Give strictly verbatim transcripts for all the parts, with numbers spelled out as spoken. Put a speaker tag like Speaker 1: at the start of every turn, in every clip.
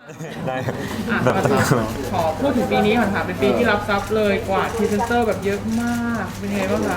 Speaker 1: ได้
Speaker 2: อ่ะ
Speaker 1: แบบ
Speaker 2: ขอพูดถึงปีนี้ก่อนค่ะเป็นปีที่รับทรัพย์เลยกว่าพรีเซนเตอร์แบบเยอะมากเป็นไงบ้างคะ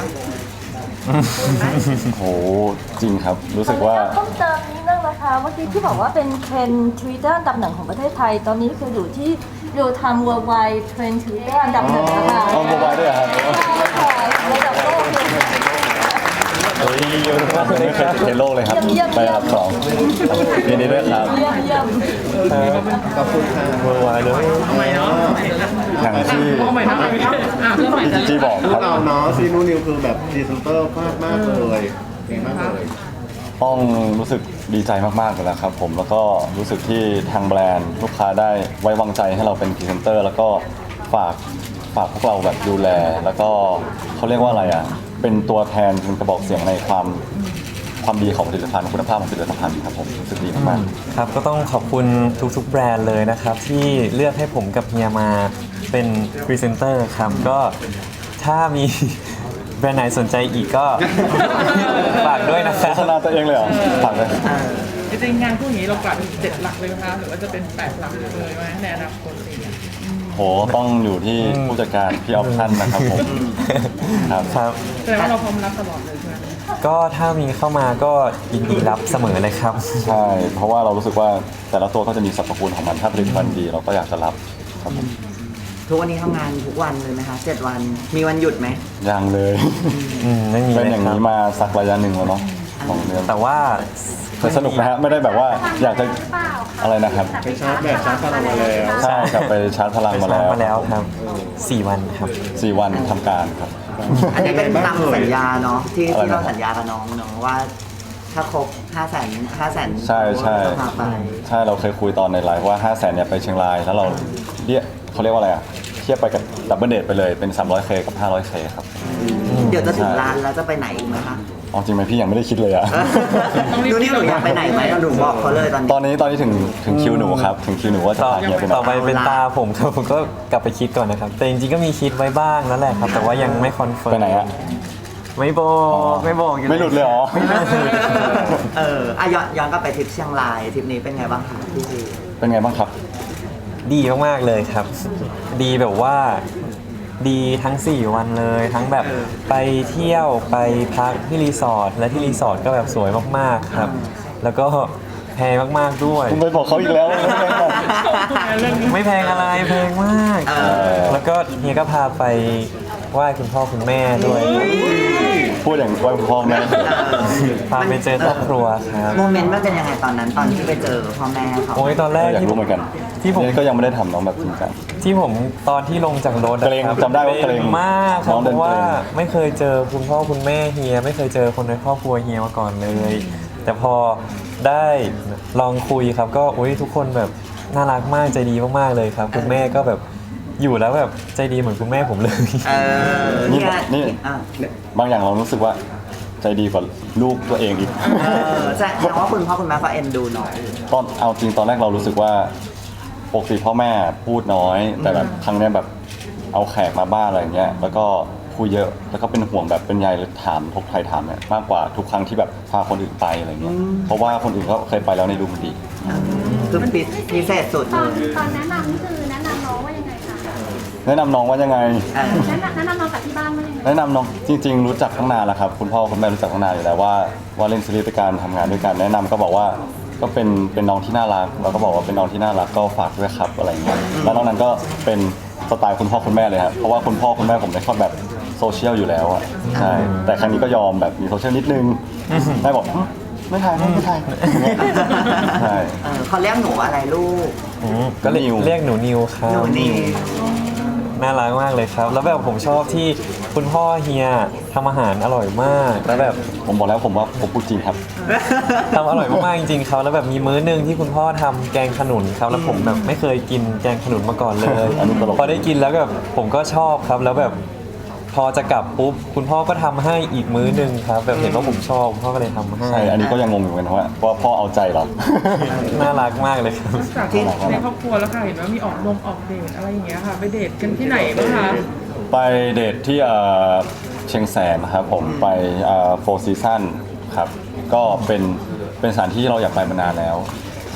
Speaker 3: โหจริงครับรู้สึกว่า
Speaker 4: เพิ่มเติมนิดนึงนะคะเมื่อกี้ที่บอกว่าเป็นเทรนทวิตเตอร์อันดับหนึ่งของประเทศไทย ตอนนี้คืออยู่ที่ดูทำ worldwide เทรนทวิตเตอร์อันดับหนึ่งนะคะ
Speaker 3: เอาโมบายด้วยเหรอครับ
Speaker 4: ระดับโลกเลย
Speaker 3: เฮ้ยผมไม่เคยติดเทรนด์โลกเลยครับ
Speaker 4: เยี่ยมๆ
Speaker 3: ไปอันดับสองยินดีด้วยครับ
Speaker 4: เยี่ยมเยี่ยม
Speaker 5: ขอบคุณค่ะ
Speaker 1: เวอร์ไวเลย
Speaker 2: เอาใหม่เนาะ
Speaker 3: อย่างที่
Speaker 2: เอาใหม่เนาะเอาใหม่เนาะอ่ะเริ่มใหม่จ้ะ
Speaker 3: ที่บอก
Speaker 5: พ
Speaker 3: คว รั
Speaker 5: ก
Speaker 3: บ
Speaker 5: เราเนาะซีนูนิวคือแบบพรีเซนเตอร์มากมากๆเลยดีมากเลย
Speaker 3: ต้องรู้สึกดีใจมากๆเลยนะครับผมแล้วก็รู้สึกที่ทางแบรนด์ลูกค้าได้ไว้วางใจให้เราเป็นพรีเซนเตอร์แล้วก็ฝากฝากพวกเราแบบดูแล แล้วก็เขาเรียกว่าอะไรอ่ะเป็นตัวแทนเป็นกระบอกเสียงในความความดีของผลิตภัณฑ์คุณภาพของผลิตภัณฑ์ครับผมรู้สึกดีมากๆ
Speaker 1: ครับก็ต้องขอบคุณทุกๆแบรนด์เลยนะครับ ที่เลือกให้ผมกับเฮียมาเป็นพรีเซนเตอร์ครับก็ถ้ามีแบรนด์ไหนสนใจอีกก็ ฝากด้วยนะครั
Speaker 3: โฆ
Speaker 1: บ
Speaker 3: ษณาตัวเองเลยเหรอฝากเลย
Speaker 2: จริงๆงานพวกนี้เรากะเป็นเจ็ดหลักเลยไหมคะหรือว่าจะเป็นแปดหลักเลยไหมในอนาคตอะไรอย่างเงี้ย
Speaker 3: โหต้องอยู่ที่ผู้จัดการพี่ออปชั่นนะครับผมครับ
Speaker 1: ครับ
Speaker 2: แสดงว่าเราพร้อมรับตลอดเลยใช่ไหม
Speaker 1: ก็ถ้ามีเข้ามาก็ยินดีรับเสมอเลยครับ
Speaker 3: ใช่เพราะว่าเรารู้สึกว่าแต่ละตัวก็จะมีสรรพคุณของมันถ้าผลิตภัณฑ์ดีเราก็อยากจะรับครับผม
Speaker 6: ทุกวันนี้ทำงานทุกวันเลยไหมคะเจ็ดวัน มีวันหยุดไหม
Speaker 3: ยังเลย
Speaker 1: อืมไม่มี
Speaker 3: เป็น
Speaker 1: เลย
Speaker 3: อย่าง
Speaker 1: ครับ
Speaker 3: นี้มาสักระยะหนึ่งแล้วเนาะสองเดือน
Speaker 1: แต่ว่า
Speaker 3: แต่สนุกนะฮะไม่ได้แบบว่าอยากจะอะไรนะครับ
Speaker 5: ไปชาร์จแบตชาร์จพลังมาแล้ว
Speaker 3: ใช่กลับไปชาร์จพลัง
Speaker 1: ไป
Speaker 3: มา
Speaker 1: ชา
Speaker 3: แล้
Speaker 1: ร์จ
Speaker 3: ว
Speaker 1: มาแล้วครับสี่วันครับ
Speaker 3: สี่วันทำการครับ
Speaker 6: อันนี้เป็นตามสัญญาเนาะที่
Speaker 3: อะไร
Speaker 6: ที่เรา
Speaker 3: นะครับ
Speaker 6: สัญญากับน้องเนาะว่า ถ้าครบห้าแสนห้าแสน
Speaker 3: ใช่ใช่
Speaker 6: ต้องพาไป
Speaker 3: ใช่เราเคยคุยตอนในไลฟ์ว่าห้าแสนเนี่ยไปเชียงรายแล้วเราเรียกเขาเรียกว่าอะไรอ่ะเทียบไปกับดับเบิลเดทไปเลยเป็น สามร้อยเค กับ ห้าร้อยเค ครับ
Speaker 6: เดี๋ยวจะถึง
Speaker 3: ใช่
Speaker 6: ร้านแล้วจะไปไหนอีกไหมคะ
Speaker 3: เอาจริงไหมพี่ยังไม่ได้คิดเลยอะ
Speaker 6: ดูนี่หนูอยากไปไหนไหมหนูบอกเขาเลยตอนนี้
Speaker 3: ตอนนี้ตอนนี้ถึงถึงคิวหนูครับ ถึงคิวหนูว่าจะ
Speaker 1: ต่อ
Speaker 3: พาเฮียไปไหน
Speaker 1: ต่อไปเป็นตาผมครับผมก็กลับไปคิดก่อนนะครับ แต่จริงๆก็มีคิดไว้บ้างแล้วแหละครับ แต่ว่ายังไม่คอนเฟิร์ม
Speaker 3: ไปไหนอะ
Speaker 1: ไม่บอกไม่บอกอยู่
Speaker 3: ไม่หลุดเลยเหรอ
Speaker 6: เอออ่ะย้อนย้อนกลับไปทริปเชียงรายทริปนี้เป็นไงบ้างคะพี่ซี
Speaker 3: เป็นไงบ้างครับ
Speaker 1: ดีมากๆเลยครับ ดีแบบว่าดีทั้งสี่วันเลย ทั้งแบบไปเที่ยวไปพักที่รีสอร์ทและที่รีสอร์ทก็แบบสวยมากๆครับ แล้วก็แพงมากๆด้วย
Speaker 3: คุณไปบอกเขาอีกแล้วไม่เป็นไรหรอก
Speaker 1: ไม่แพงอะไรแพงมาก แล้วก็เฮียก็พาไปไหว้คุณพ่อคุณแม่ด้วย
Speaker 3: พูดอย่างไว้พ่อแม่
Speaker 1: พาไปเจอครอบครัวครับ
Speaker 6: โมเมนต์มันเป็นยังไงตอนนั้นตอนที่ไปเจอพ่อแม่เขา
Speaker 1: โอ้ยตอนแรก
Speaker 3: อยาก
Speaker 1: ที่
Speaker 3: รู้เหมือนกัน
Speaker 1: ที่ผม
Speaker 3: นี่ก็ยังไม่ได้ทำน้องแบบจริงจัง
Speaker 1: ที่ผมตอนที่ลงจากรถอะ
Speaker 3: เกรง
Speaker 1: ครับ
Speaker 3: จำได้ว่าเกรง
Speaker 1: มากครั
Speaker 3: น้
Speaker 1: บ
Speaker 3: อง
Speaker 1: เพ
Speaker 3: เดิน
Speaker 1: ราะว่า
Speaker 3: เกรง
Speaker 1: ไม่เคยเจอคุณพ่อคุณแม่เฮียไม่เคยเจอคนในครอบครัวเฮียมาก่อนเลย แต่พอได้ลองคุยครับ ก็อุ้ยทุกคนแบบน่ารักมากใจดีมากๆเลยครับ คุณแม่ก็แบบอยู่แล้วแบบใจดีเหมือนคุณแม่ผมเลย
Speaker 6: เออ
Speaker 3: นี่
Speaker 6: เนี่ย
Speaker 3: นี่
Speaker 6: อ่ะ
Speaker 3: บางอย่างเรารู้สึกว่าใจดีกว่าลูกตัวเองอีก
Speaker 6: เออแสดงว่าคุณพ่อคุณแม่ก็เอ็นดูหน่อย
Speaker 3: ตอนเอาจริงตอนแรกเรารู้สึกว่าปกติพ่อแม่พูดน้อย แต่แบบครั้งเนี้ยแบบเอาแขกมาบ้านอะไรเงี้ยแล้วก็คุยเยอะแล้วก็เป็นห่วงแบบเป็นใยเลยถามทุกใครถามเนี่ยมากกว่าทุกครั้งที่แบบพาคนอื่นไปอะไรเงี้ยเพราะว่าคนอื่นก็เคยไปแล้วในดูมันดี
Speaker 6: คือปิดพิเศษสุด
Speaker 7: ต
Speaker 6: เล
Speaker 7: อน
Speaker 6: ย
Speaker 7: ตอนแนะนำนี่คือแนะนำน้องว่ายังไงคะ
Speaker 3: แนะนำน้องว่ายังไง
Speaker 6: เออ
Speaker 7: แนะนำแนะนำน้องจากที่บ้านว่ายังไง
Speaker 3: แนะนำน้องจริง ๆ รู้จักตั้งนานแล้วครับคุณพ่อคุณแม่รู้จักตั้งนานอยู่แล้วว่าว่าเล่นซีรีส์ด้วยกันทำงานด้วยกันแนะนำก็บอกว่าก็เป็นเป็นน้องที่น่ารักเราก็บอกว่าเป็นน้องที่น่ารักก็ฝากด้วยครับอะไรเงี้ยแล้วนอกนั้นก็เป็นสไตล์คุณพ่อคุณแม่เลยครับเพราะว่าคุณพ่อคุณแม่ผมไม่ชอบแบบโซเชียลอยู่แล้วอ่ะใช่แต่ครั้งนี้ก็ยอมแบบมีโซเชียลนิดนึงแม่บอกหึไม่ถ่ายไม่ถ่ายใช่
Speaker 6: เออเขาเรียกหนูอะไรลูก
Speaker 1: อืมก็เรียก
Speaker 3: นิว
Speaker 1: เรียกหนูนิวครั
Speaker 6: หนู
Speaker 1: บ
Speaker 6: นี่
Speaker 1: น่ารักมากเลยครับ แล้วแบบผมชอบที่คุณพ่อเฮียทำอาหารอร่อยมากแล้วแบบ
Speaker 3: ผมบอกแล้วผมว่าผมพูดจริงครับ
Speaker 1: ทำอร่อยมากๆจริงๆครับแล้วแบบมีมื้อหนึงที่คุณพ่อทำแกงขนุนครับแล้วผมแบบไม่เคยกินแกงขนุนมาก่อนเลย
Speaker 3: อันนี้ตลก
Speaker 1: พอได้กินแล้วแบบผมก็ชอบครับ แล้วแบบพอจะกลับปุ๊บคุณพ่อก็ทำให้อีกมื้อหนึงครับ แบบเห็นว่าผมชอบคุณพ่อก็เลยทำให้
Speaker 3: ใช่อันนี้ก็ยังงงอยู่เหมือนกันว่าว่าพ่อเอาใจเรา
Speaker 1: น่ารักมากเลยครับ
Speaker 2: จากที่ในครอบครัวแล้วค่ะเห็นว่ามีออกนมออกเดทอะไรอย่างเงี้ยค่ะไปเดทกันที่ไหนบ้างคะ
Speaker 3: ไปเดทที่เอ่อเชียงแสนนะครับผมไปโฟร์ซีซั่นครับก็เป็นเป็นสถานที่เราอยากไปมานานแล้ว ใ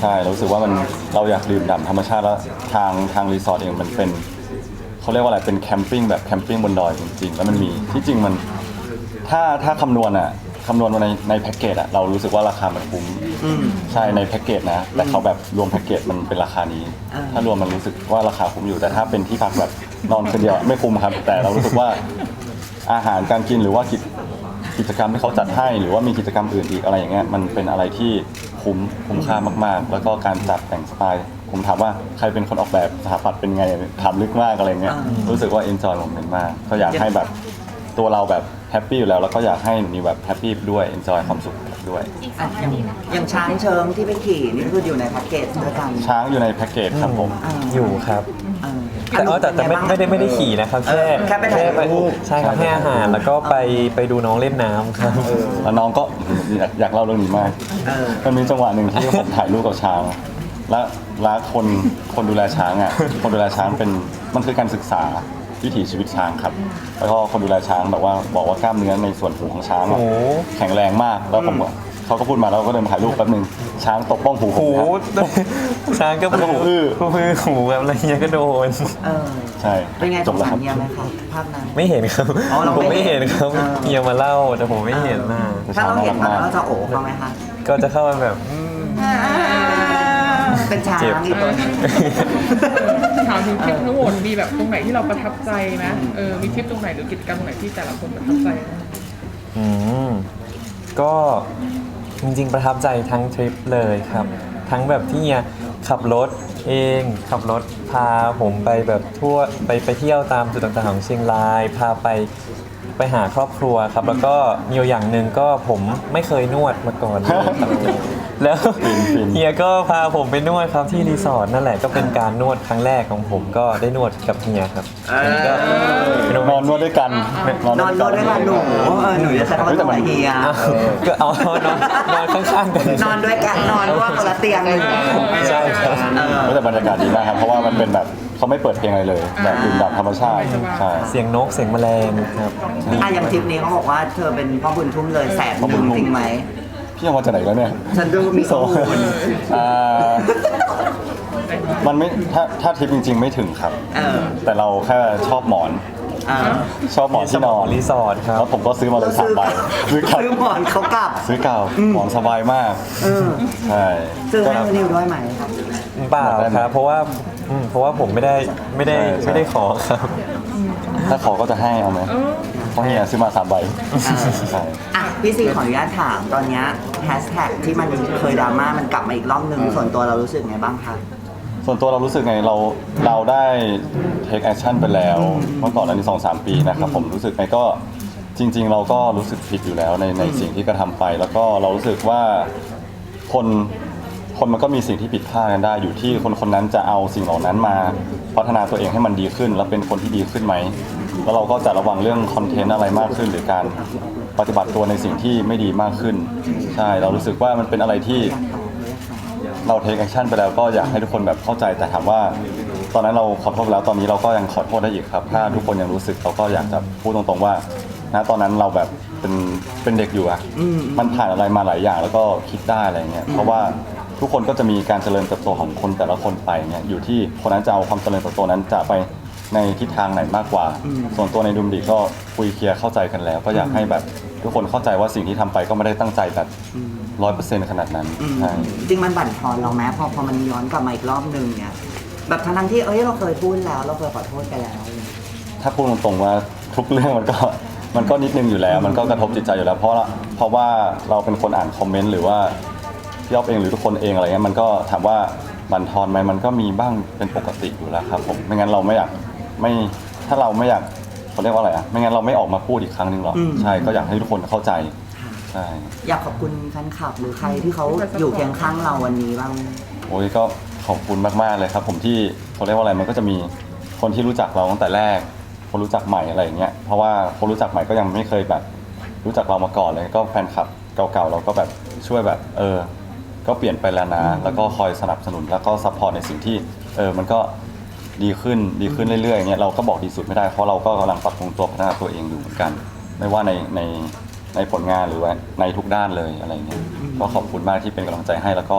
Speaker 3: ใช่เรารู้สึกว่ามันเราอยากดื่มด่ำธรรมชาติแล้วทางทางรีสอร์ทเองมันเป็นเขาเรียกว่าอะไรเป็นแคมปิ้งแบบแคมปิ้งบนดอยจริงๆแล้วมันมีที่จริงมันถ้าถ้าคำนวณอ่ะคำนวณมาในในแพ็กเกจอ่ะเรารู้สึกว่าราคามันคุ้มใช่ในแพ็กเกจนะแต่เขาแบบรวมแพ็กเกจมันเป็นราคานี้ ถ้ารวมมันรู้สึกว่าราคาคุ้มอยู่แต่ถ้าเป็นที่พักแบบนอนคนเดียวไม่คุ้มครับ แต่เรารู้สึกว่าอาหารการกินหรือว่ากิจกิจกรรมที่เขาจัดให้หรือว่ามีกิจกรรมอื่นอีกอะไรอย่างเงี้ยมันเป็นอะไรที่คุ้มคุ้มค่ามากๆ แล้วก็การจัดแต่งสไตล์ผมถามว่าใครเป็นคนออกแบบสถาปัตย์เป็นไงถามลึกมากอะไรเงี้ยรู้สึกว่าเอนจอยผมเป็นมากก็อยากให้แบบตัวเราแบบแฮปปี้อยู่แล้วแล้วก็อยากให้หนูนิวแบบแฮปปี้ด้วยเอนจอยความสุขด้วย
Speaker 6: อ่ะอย่างอย่างช้างเชิงที่ไปขี่นี่คืออยู่ในแพ็กเกจด้วยกัน
Speaker 3: ช้างอยู่ในแพ็กเกจครับผม
Speaker 1: อยู่ครับ
Speaker 6: เออ
Speaker 1: แต่เออแต่แต่ไม่ไม่ได้ไม่ได้ขี่นะครับแค่
Speaker 6: แค่ไปถ่ายรูป
Speaker 1: ใช่ครับให้อาหารแล้วก็ไปไปดูน้องเล่นน้ำครับ
Speaker 3: แล้วน้องก็อยากอยากเล่าเรื่องนี้มาก
Speaker 6: เออ
Speaker 3: มันมีจังหวะหนึ่งที่ผมถ่ายรูปกับช้าง และและคนคนดูแลช้างอ่ะ คนดูแลช้างเป็นมันคือการศึกษาวิถีชีวิตช้างครับ แล้วก็คนดูแลช้างแบบว่าบอกว่ากล้ามเนื้อในส่วนหูของช้างอะ
Speaker 1: โอ้
Speaker 3: แข็งแรงมาก แล้วผมก็เขาก็พูดมาแล้วก็เดินมาถ่ายรูปแป๊บนึงช้างตบป้องหูผม
Speaker 1: หู
Speaker 3: นะครับ
Speaker 1: ช้างก็
Speaker 3: แล้วก็หูอื้อ
Speaker 1: หูอื้อหูแบบอะไรเงี้ยก็โดน
Speaker 6: เออ
Speaker 3: ใช่
Speaker 6: เป็นไง
Speaker 3: จ
Speaker 6: ส
Speaker 3: บ
Speaker 6: ง
Speaker 3: แล้ว
Speaker 6: สา
Speaker 3: ค
Speaker 6: ร
Speaker 3: รับ
Speaker 6: เมียไหมครับภาพนั้น
Speaker 1: ไม่เห็นครับ
Speaker 6: อ๋อเรา
Speaker 1: ผม
Speaker 6: ไม่
Speaker 1: ไม่
Speaker 6: เห็
Speaker 1: เห็
Speaker 6: น
Speaker 1: นครับ
Speaker 6: เออ
Speaker 1: เมียมาเล่าแต่ผมไม่เห็นน่ะ
Speaker 6: ถ้าเราเห็นมันเราจะโอบเขาไหมคะ
Speaker 1: ก็จะเข้ามาแบบอืม
Speaker 6: เป็นช้าง
Speaker 1: เจ็บ
Speaker 6: อีกตัวหนึง
Speaker 2: ถามถึงทริปทั้งหมดมีแบบตรงไหนที่เราประทับใจไหมเออมีทริปตรงไหนหรือกิจกรรมตรงไหนที่แต่ละคนประทับใจไหม
Speaker 1: อืมก็จริงๆประทับใจทั้งทริปเลยครับ ทั้งแบบที่เฮียขับรถเองขับรถพาผมไปแบบทั่วไปไปเที่ยวตามจุดต่างๆของเชียงราย พาไปไปหาครอบครัวครับ แล้วก็มีอยู่อย่างหนึ่งก็ผมไม่เคยนวดมาก่อนเลยครับ แล้ว
Speaker 3: ฟินๆ
Speaker 1: เฮียก็พาผมไปนวดครับที่รีสอร์ทนั่นแหละก็เป็นการนวดครั้งแรกของผมก็ได้นวดกับเฮียครับอันนี้ก็เป็นโมเม
Speaker 3: นอน
Speaker 1: ต์
Speaker 3: นวดด้วยกัน
Speaker 6: นอนนวดด้วยกันหนูเออหนูจะใช้คำว่าตัวเฮีย
Speaker 1: อ้าวก็เอานอนนอนข้างๆกัน
Speaker 6: นอนด้วยกันนอนร่วมคนละเตียงเลย
Speaker 1: ใช่ครับ
Speaker 6: เออ
Speaker 3: แต่บรรยากาศดีมากครับเพราะว่ามันเป็นแบบเขาไม่เปิดเพลงอะไรเลย แบบดื่มด่ำธรรมชาติใช่
Speaker 1: เสียงนกเสียงแมลงครับ
Speaker 6: อ่ะอย่างทริปนี้เขาบอกว่าเธอเป็นพ่อบุญทุ่มเลยแสนหนึ่งจริงไหม
Speaker 3: พี่เอามาจากไหนแล้วเนี่ย
Speaker 6: ฉันดูมีข้อมูล
Speaker 3: อ่ามันไม่ถ้าถ้าทริปจริง ๆ ไม่ถึงครับ
Speaker 6: เออ
Speaker 3: แต่เราแค่ชอบหมอน
Speaker 6: เออ
Speaker 3: ชอบหมอนที่นอน
Speaker 1: รีสอร์ทครับ
Speaker 3: แล้วผมก็ซื้อมาเลยสามใบซื้อกลับ
Speaker 6: ซื้อหมอนเขากลับ
Speaker 3: ซื้อกลับหมอนสบายมาก
Speaker 6: เออ
Speaker 3: ใช่
Speaker 6: ซื้อ
Speaker 3: ก็
Speaker 6: ให้นิวด้วยไหมครับ
Speaker 1: เปล่าครับ เพราะว่าอืมเพราะว่าผมไม่ได้ไม่ได้
Speaker 3: ใช่ใช่
Speaker 1: ไม่ได้ขอครับ
Speaker 3: ถ้าขอก็จะให้เอาไหมเพราะเฮียซื้อมาสามใบใช่
Speaker 6: อ่ะพี่ซีขออนุญาตถามตอนเนี้แฮชแท็กที่มันเคยดราม่ามันกลับมาอีกรอบนึงส่วนตัวเรารู้สึกไงบ้างคะ
Speaker 3: ส่วนตัวเรารู้สึกไงเราเราได้ take action ไปแล้วเมื่อก่อนอันนี้สองสามปีนะครับผมรู้สึกไงก็จริง ๆ เราก็รู้สึกผิดอยู่แล้วในในสิ่งที่กระทำไป แล้วก็เรารู้สึกว่าคนคนมันก็มีสิ่งที่ผิดพลาดกันได้ อยู่ที่คนคนนั้นจะเอาสิ่งเหล่านั้นมาพัฒนาตัวเองให้มันดีขึ้น แล้วเป็นคนที่ดีขึ้นไหมแล้วเราก็จะระวังเรื่องคอนเทนต์อะไรมากขึ้น หรือการปฏิบัติตัวในสิ่งที่ไม่ดีมากขึ้นใช่เรารู้สึกว่ามันเป็นอะไรที่ เราเทคแอคชั่นไปแล้วก็อยากให้ทุกคนแบบเข้าใจแต่ถามว่า ตอนนั้นเราขอโทษไปแล้วตอนนี้เราก็ยังขอโทษได้อีกครับ ถ้าทุกคนยังรู้สึกเราก็อยากจะพูดตรงๆว่านะตอนนั้นเราแบบเป็นเป็นเด็กอยู่อะมันผ่านอะไรมาหลายอย่างแล้วก็คิดได้อะไรเงี้ยเพราะว่าทุกคนก็จะมีการเจริญเติบโตของคนแต่ละคนไปเนี่ยอยู่ที่คนนั้นจะเอาความเจริญเติบโตนั้นจะไปในทิศทางไหนมากกว่า ส่วนตัวในดุมดีก็คุยเคลียร์เข้าใจกันแล้ว ก็อยากให้แบบทุกคนเข้าใจว่าสิ่งที่ทำไปก็ไม่ได้ตั้งใจแบบร้อยเปอร์เซ็นต์ขนาดนั้น
Speaker 6: อืม
Speaker 3: ใช่
Speaker 6: จริงมันบั่นทอนเราไหมพอพอมันย้อนกลับมาอีกรอบนึงเนี่ยแบบทั้งๆที่เอ้ยเราเคยพูดแล้วเราเคยขอโทษไปแล้ว
Speaker 3: ถ้าพูดตรงๆว่าทุกเรื่องมันก็มันก็นิดนึงอยู่แล้ว มันก็กระทบจิตใจอยู่แล้ว เพราะละเพราะว่าเราเป็นคนอ่านคอมเมนต์หรือว่าพี่อ๊อฟเองหรือทุกคนเองอะไรเงี้ยมันก็ถามว่าบั่นทอนไหมมันก็มีบ้างเป็นปกติอยู่แล้วครับผมไม่งั้นเราไม่อยากไม่ถ้าเราไม่อยากเขาเรียกว่าอะไรอ่ะไม่งั้นเราไม่ออกมาพูดอีกครั้งหนึ่งหรอก
Speaker 6: อืม
Speaker 3: ใช่ก็อยากให้ทุกคนเข้าใจใช่
Speaker 6: อยากขอบคุณแฟนคลับหรือใครที่เขาอยู่เคียงข้างเราวันนี้บ้าง
Speaker 3: โอ้ยก็ขอบคุณมากๆเลยครับ ผมที่เขาเรียกว่าอะไรมันก็จะมีคนที่รู้จักเราตั้งแต่แรก คนรู้จักใหม่อะไรอย่างเงี้ยเพราะว่าคนรู้จักใหม่ก็ยังไม่เคยแบบรู้จักเรามาก่อนเลยก็แฟนคลับเก่าๆเราก็แบบช่วยแบบเออก็เปลี่ยนไปแล้วนะแล้วก็คอยสนับสนุนแล้วก็ซัพพอร์ตในสิ่งที่เออมันก็ดีขึ้นดีขึ้นเรื่อยๆอย่างเงี้ยเราก็บอกดีสุดไม่ได้เพราะเราก็กำลังปรับปรุงตัวพัฒนาตัวเองอยู่เหมือนกัน ไม่ว่าในในในผลงานหรือว่าในทุกด้านเลยอะไรเงี้ยก็ขอบคุณมากที่เป็นกำลังใจให้แล้วก็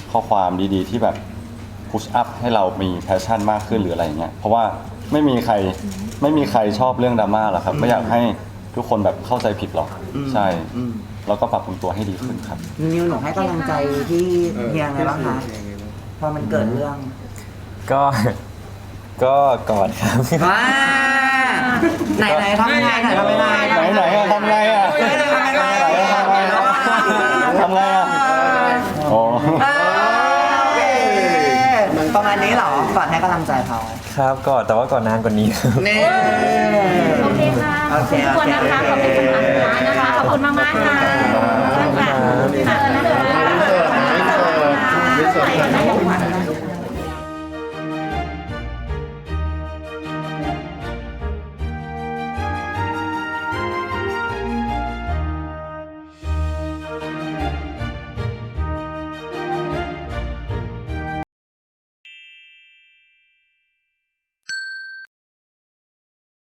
Speaker 3: ข้อความดีๆ ที่แบบพุชอัพให้เรามีแพชชั่นมากขึ้นหรืออะไรอย่างเงี้ยเพราะว่าไม่มีใครไม่มีใครชอบเรื่องดราม่าหรอกครับไม่อยากให้ทุกคนแบบเข้าใจผิดหรอกใช่
Speaker 6: อืม
Speaker 3: แล้วก็ปรับปรุงตัวให้ดีขึ้นครับ
Speaker 6: นิวหนูให้กำลังใจที่เฮียไงบ้างคะพอมันเกิดเรื่อง
Speaker 1: ก็ ก็กอดครับ
Speaker 6: ว้าไหนไหนทำยังไงไหนทำยังไง
Speaker 3: ไหนไหนอะทำไงอะ
Speaker 6: เฮ้ยทำยังไง
Speaker 3: ทำไงอะโอ้
Speaker 6: อ่าโอเคประมาณนี้เหรอก่อนให้กำลังใจเขา
Speaker 1: ครับกอดแต่ว่าก่อนนานกว่านี้ครับ
Speaker 6: นี่
Speaker 7: โอเคค่ะ
Speaker 6: โอเค
Speaker 7: ขอบคุณนะคะ ขอบคุณคำถามสุดท้ายนะคะ ขอบคุณมากมากๆค่ะค่ะ
Speaker 5: ไม่เสิร์ฟไม่เสิร์ฟไม่เสิร์ฟ